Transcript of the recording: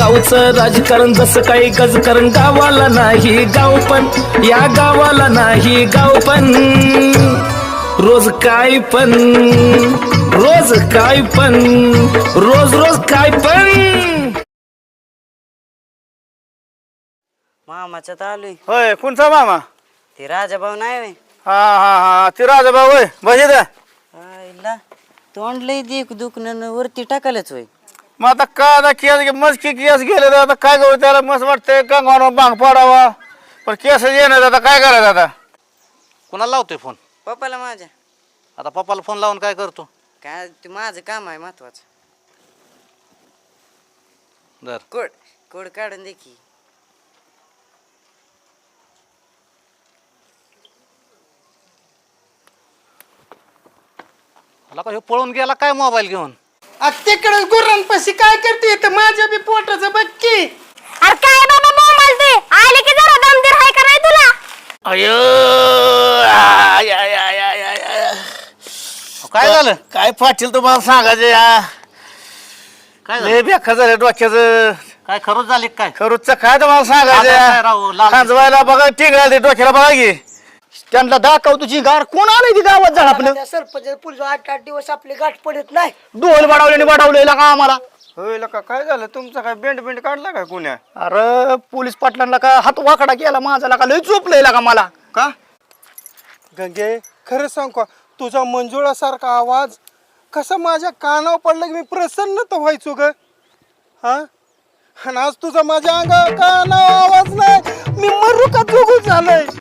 गावचं राजकारण जसं काही गजकारण गावाला नाही गाव पण या गावाला नाही गाव पण रोज काय पण रोज काय पण रोज रोज काय पण मामाच्या आलोय होय कोणचा मामा ते राजाभाऊ नाही व्हय? हा हा हा ते राजाभाऊ होय बजे द्या आईला तोंड लय देख दुखणं वरती टाकायलाच होय. मग आता काय आता केस मस्त केस गेले तर आता काय करू त्याला मस्त वाटतंय गंगावर बांग पाडावा पण केस येणार आता काय करायचं आता कुणाला लावतोय फोन पप्पाला माझ्या आता पप्पाला फोन लावून काय करतो काय ते माझं काम आहे महत्वाचं. दर कोड कोड काढून दे की. मला का ह्यो पळून गेला काय मोबाईल घेऊन तिकडे गुरांपाशी काय करते तर माझ्या बी पोटाचं बघ की. अरे काय बाबा मोबाईल दे आले की जरा दमदीर हाय का नाही तुला अयो काय झालं काय पाटील तुम्हाला सांगायचं काय लय झालं बेखा झालं डोक्याचं काय खरंच झाले काय खरूच काय तुम्हाला काय राव, लाल- सांगायचं खांजवायला बघा टिंगळा ते डोक्याला बघा की त्यांना दाखव तुझी गार कोण आलंय ती गावात झाड आपलं त्या सरपंच पुढे 8-8 दिवस आपली गाठ पडत नाही. डोल वाढवलेला का आम्हाला. होय का काय झालं तुमचा काय बेंड काढला काय कुण्या अरे पोलीस पाटलांना का हात वाकडा केला माझा का लय चोपलंय का मला. का गंगे खरं सांग का तुझा मंजुळासारखा आवाज कसा माझ्या कानावर पडला की मी प्रसन्न तर व्हायचो ग. हा आणि आज तुझा माझ्या अंगावर कानावर आवाज नाही मी मरू का जुगू झालंय.